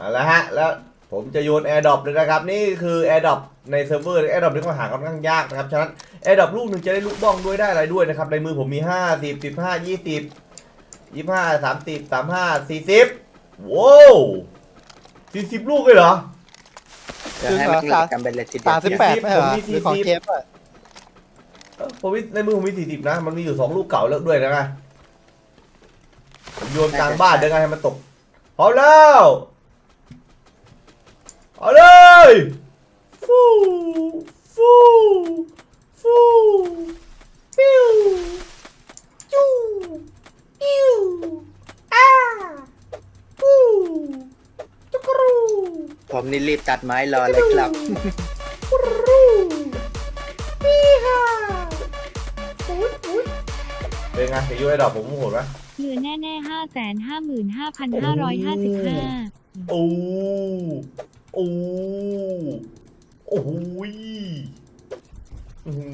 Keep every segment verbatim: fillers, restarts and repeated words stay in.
เอาละฮะแล้วผมจะโยนแอร์ดรอปเลยนะครับนี่คือแอร์ดรอปในเซิร์ฟเวอร์แอร์ดรอปที่เขาหาค่อนข้างยากนะครับฉะนั้นแอร์ดรอปลูกหนึ่งจะได้ลูกบ้องด้วยได้อะไรด้วยนะครับในมือผมมีห้าสิบสิบห้ายี่สิบยี่ห้าสามสิบสามห้าสี่สิบว้าวสี่สิบลูกเลยเหรอจะให้มันหลักกันเป็นเลยทีเดียวสามสิบแปดไม่เหรอผมมีหรือของสี่สิบเจฟอะเอ้าผมมีในมือผมมีสี่สิบนะมันมีอยู่สองลูกเก่าแล้วด้วยนะไงผมโยนกลางบ้านเดี๋ยวไงให้มันตกพร้อมแล้วเอาเลยฟูฟูฟูปิ้วจูปิ้วอ้าฟูจุกรูผมนี่รีบตัดไม้รอเลยครับจุกรูปี้ฮ่าอุ๊ยอุ๊ยเป็นไงเสียงยูไอดอกผมโหดไหมเหลือแน่ๆห้าแสนห้าหมื่นห้าพันห้าร้อยห้าสิบห้าโอ้โอ้โอ้ยอื้อหื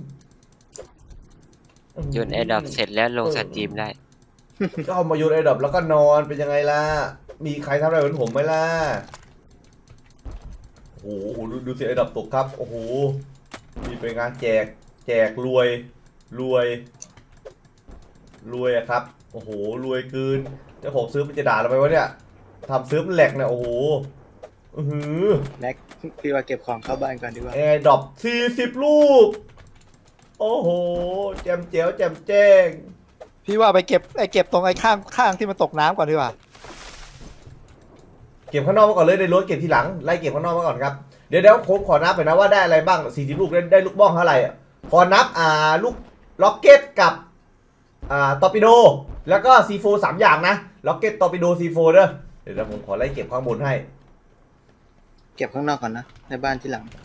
อโยนแอร์ดรอปเสร็จแล้วลงสตรีมได้ก็เอามาโยนไอ้ดอกแล้วก็นอนเป็นยังไงล่ะ มีใครทำอะไรเหมือนผมไหมล่ะ โอ้โหดูดูเสียไอ้ดอกตกครับ โอ้โหมีเป็นงานแจก แจกรวย รวย รวยอะครับ โอ้โห รวยเกินเจ้าของซื้อมันจะด่าเราไหมวะเนี่ยทำซื้อมันแหลกเนี่ย โอ้โห อือหือแม็กพี่ว่าเก็บของเข้าบ้านก่อนดีกว่าแอร์ดรอปสี่สิบลูก โอ้โห แจมเจ๋วแจมแจ้งพี่ว่าไปเก็บไอ้เก็บตรงไอ้ข้างข้างที่มันตกน้ำก่อนดีกว่าเก็บข้างนอกมาก่อนเลยในรถเก็บทีหลัง ไล่เก็บข้างนอกมาก่อนครับ เดี๋ยวเดี๋ยวผมขอนับไปนะว่าได้อะไรบ้างสี่สิบลูกได้ได้ลูกบ้องเท่าไหร่อ่ะขอนับอ่าลูกล็อกเก็ตกับอ่าตอร์ปิโด แล้วก็ซีโฟสามอย่างนะ ล็อกเก็ตตอร์ปิโดซีโฟเด้อ เดี๋ยวผมขอไล่เก็บข้างบนให้เก็บข้างนอกก่อนนะ ในบ้านที่หลัง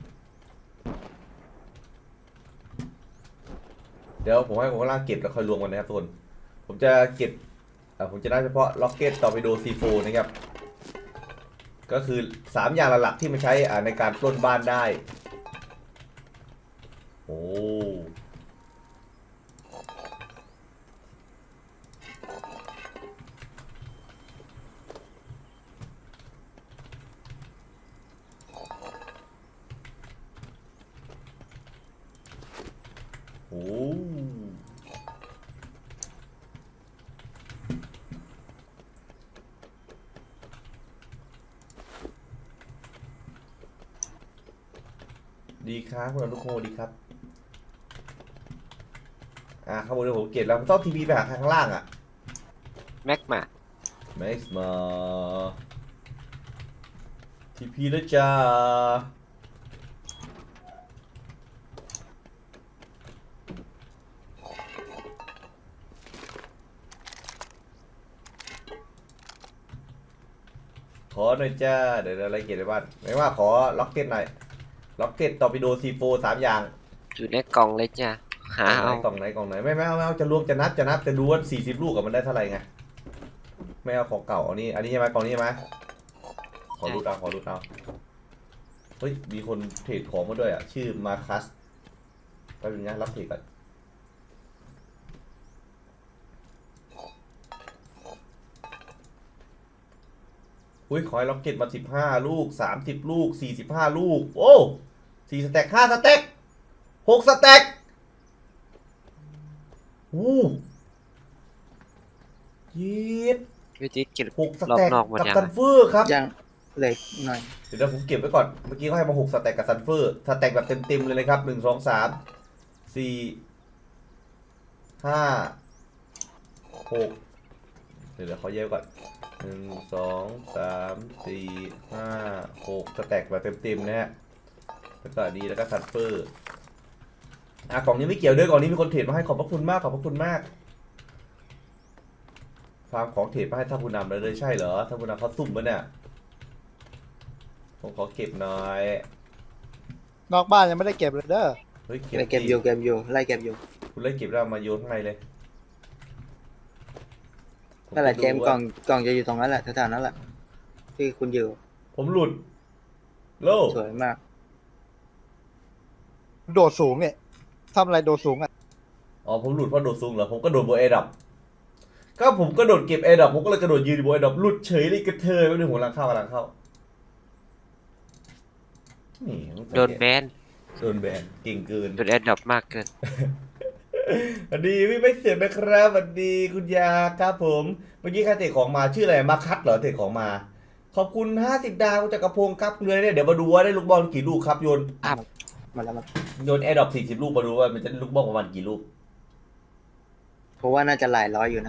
เดี๋ยวผมให้ผมกำลังเก็บแล้วค่อยรวมกันนะครับทุกคน ผมจะเก็บอ่าผมจะได้เฉพาะล็อกเก็ตตอร์ปิโดซีโฟนะครับ ก็คือสามอย่างหลักๆที่มันใช้อ่าในการปล้นบ้านได้ โอ้โหดีครับคุณอนุโคดีครับ อ่าข้างบนเดี๋ยวผมเก็บแล้วผมต้องทีวีไปหาข้างล่างอ่ะแม็กมาแม็กซ์มาทีพีแล้วจ้าขอหน่อยจ้าเดี๋ยวอะไรเก็บในบ้านไม่ว่าขอล็อกเก็ตหน่อยล็อกเก็ตตอร์ปิโดซีโฟสามอย่างอยู่ในกล่องเลยจ้ะหาเอากล่องไหนกล่องไหนไม่ไม่เอาไม่เอาจะรวมจะนับจะนับจะดูว่าสี่สิบลูกกับมันได้เท่าไหร่ไงไม่เอาของเก่าอันนี้อันนี้ใช่ไหมกล่องนี้ใช่ไหมขอรูดเอาขอรูดเอาเฮ้ยมีคนเทรดของมาด้วยอ่ะชื่อมาคัสแป๊บนึงนะรับเทรดก่อนอุ้ยขอให้ล็อกเก็ตมาสิบห้าลูกสามสิบลูกสี่สิบห้าลูกโอ้สี่สแต็กห้าสแต็กหกสแต็กอู้ยีดวิธีเก็บหกสรอบแต็กนอกหมดกับยังซันเฟอร์ครับยังเหล็กหน่อยเดี๋ยวผมเก็บไว้ก่อน เมื่อกี้เขาให้มาหกสแต็กกับซันเฟอร์สแต็กแบบเต็มๆเลยนะครับหนึ่งสองสามสี่ห้าหกเดี๋ยวเดี๋ยวเขาแยกก่อนหนึ่งสองสามสี่ห้าหกสแต็กแบบเต็มๆนะฮะแล้วก็ดีแล้วก็ซันเฟอร์อ่ะกล่องนี้ไม่เกี่ยวด้วยกล่องนี้มีคนเทรดมาให้ขอบพระคุณมากขอบพระคุณมากฟาร์มของเทรดมาให้ท่านผู้นำเลยเลยใช่เหรอท่านผู้นำเขาซุ่มปะเนี่ยผมขอเก็บหน่อยนอกบ้านยังไม่ได้เก็บเลยเด้อเฮ้ยไล่เก็บอยู่เก็บอยู่ไล่เก็บอยู่คุณเล่นเก็บแล้วมาโยนข้างในเลยนั่นแหละเจมส์กล่องกล่องจะอยู่ตรงนั้นแหละแถวๆนั้นแหละที่คุณอยู่ผมหลุดโลสวยมากโดดสูงเนี่ยทำอะไรโดดสูงอ่ะอ๋อผมหลุดเพราะโดดซุงเหรอผมก็โดนโบเอดับก็ผมก็โดดเก็บแอร์ดรอปผมก็เลยกระโดดยืนอยู่บนแอร์ดรอปหลุดเฉยเลยกระเทยแป๊บนึงผมกำลังเข้ากำลังเข้านี่โดนแบนโดนแบนเก่งเกินโดนแอดดอปมากเกินสวัสดีพี่ไม่เสียงนะครับสวัสดีคุณยาครับผมเมื่อกี้ใครเตะของมาชื่ออะไรมาคัดเหรอเตะของมา ขอบคุณห้าสิบดาวคุณจักรพงศ์ครับเลยเนี่ยเดี๋ยวมาดูว่าได้ลูกบอลกี่ลูกครับโยนอัพมาแล้วมาโยนแอร์ดรอปสี่สิบลูกมาดูว่ามันจะได้ลูกบอลประมาณกี่ลูกเพราะว่าน่าจะหลายร้อยอยู่นะ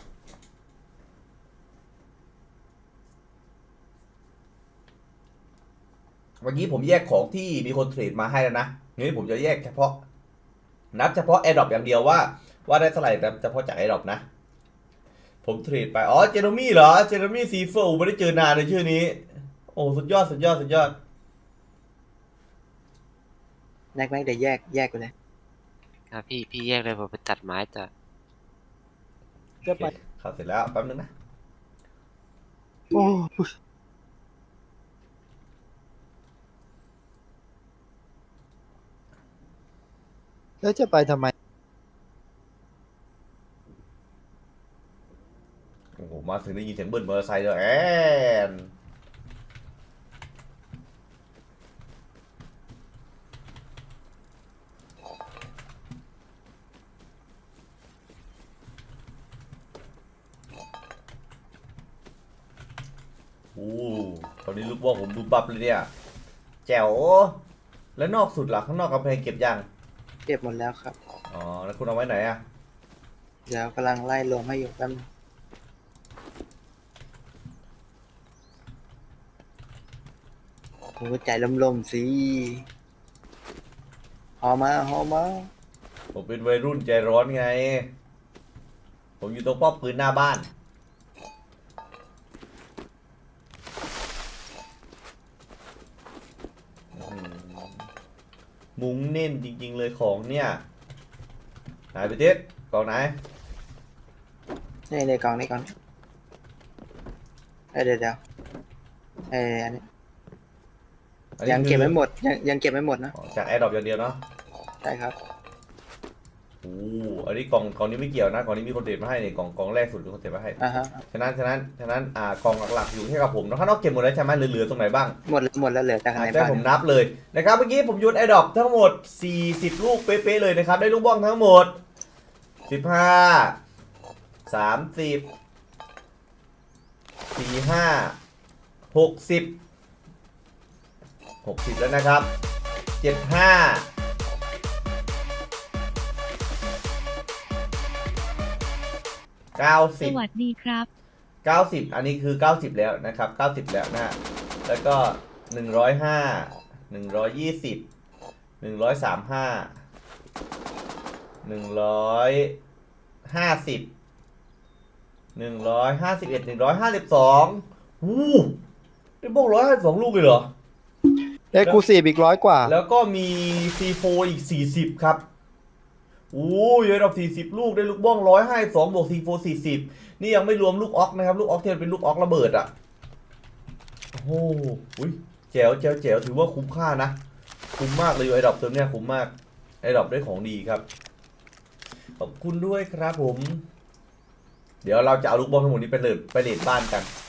เมื่อกี้ผมแยกของที่มีคนเทรดมาให้แล้วนะนี่ผมจะแยกเฉพาะนับเฉพาะแอร์ดรอปอย่างเดียวว่าว่าได้เท่าไหร่แต่เฉพาะจากแอร์ดรอปนะผมเทรดไปอ๋อเจโรมี่เหรอเจโรมี่ซีเฟอร์ไม่ได้เจอนานเลยชื่อนี้โอ้สุดยอดสุดยอดสุดยอดแม็กแม็กเดี๋ยวแยกแยกไปเลยครับพี่พี่แยกเลยผมไปตัดไม้ต่อจะไปเข้าเสร็จแล้วแป๊บนึงนะโอ้แล้วจะไปทำไมโอ้โหมาถึงได้ยินเสียงเบิ้ลมอเตอร์ไซค์เลยแอนโอ้ตอนนี้ลูกบอลผมดูบับเลยเนี่ยแจ๋วแล้วนอกสุดล่ะข้างนอกกำแพงเก็บยังเก็บหมดแล้วครับอ๋อแล้วคุณเอาไว้ไหนอะเดี๋ยวกำลังไล่รวมให้อยู่แป๊บนึงโอ้ใจลมๆสิหอมาหอมาผมเป็นวัยรุ่นใจร้อนไง ผมอยู่ตรงป้อมปืนหน้าบ้านอื้อหือมุ้งเน้นจริงๆเลยของเนี่ยไหนไปเท็ดกล่องไหนนี่ในกล่องในกล่องเอ้ยเดี๋ยวเดี๋ยวเอ้ยอันนี้อันนี้ยังคือเก็บไม่หมดยังยังเก็บไม่หมดนะอ๋อจากแอร์ดรอปอย่างเดียวเนาะใช่ครับโอ้อันนี้กล่องกล่องนี้ไม่เกี่ยวนะกล่องนี้มีคนเด็ดมาให้เนี่ยกล่องกล่องแรกสุดมีคนเด็ดมาให้อ่าฮะฉะนั้นฉะนั้นฉะนั้นอ่ากล่องหลักๆอยู่แค่กับผมนะข้างนอกเก็บหมดแล้วใช่ไหมเหลือๆตรงไหนบ้างหมดแล้วหมดแล้วเหลือแต่ข้างในใช่บ้านผมนับเลยนะครับเมื่อกี้ผมโยนแอร์ดรอปทั้งหมดสี่สิบลูกเป๊ะๆเลยนะครับได้ลูกบ้องทั้งหมดสิบห้า สามสิบ สี่ ห้า หกสิบ หกสิบแล้วนะครับเจ็ด ห้า เก้าสสิบวัสดีครับเก้าสิบอันนี้คือเก้าสิบแล้วนะครับเก้าสิบแล้วนะ แล้วก็หนึ่งร้อยห้า หนึ่งร้อยยี่สิบ หนึ่งร้อยสามสิบห้า หนึ่งร้อยห้าสิบ หนึ่งร้อยห้าสิบเอ็ด หนึ่งร้อยห้าสิบสองวู้ได้บอกร้อยห้าสิบสองลูกเลยเหรอเอ็กซ์คลูซีฟอีกร้อยกว่าแล้วก็มี ซี โฟร์ อีกสี่สิบครับโอ้ยยอดดอกสี่สิบลูกได้ลูกบ้องหนึ่งร้อยห้าสิบสองบวก ซี โฟร์ สี่สิบนี่ยังไม่รวมลูกออกนะครับลูกออกที่มันเป็นลูกออกระเบิดอ่ะโอ้โหอุ้ยแจ๋วแจ๋วแจ๋วถือว่าคุ้มค่านะคุ้มมากเลยไอ้ดอกเติมเนี่ยคุ้มมากไอ้ดอกได้ของดีครับขอบคุณด้วยครับผม เดี๋ยวเราจะเอาลูกบอลทั้งหมดนี้ไปเลดไปเลดบ้านกัน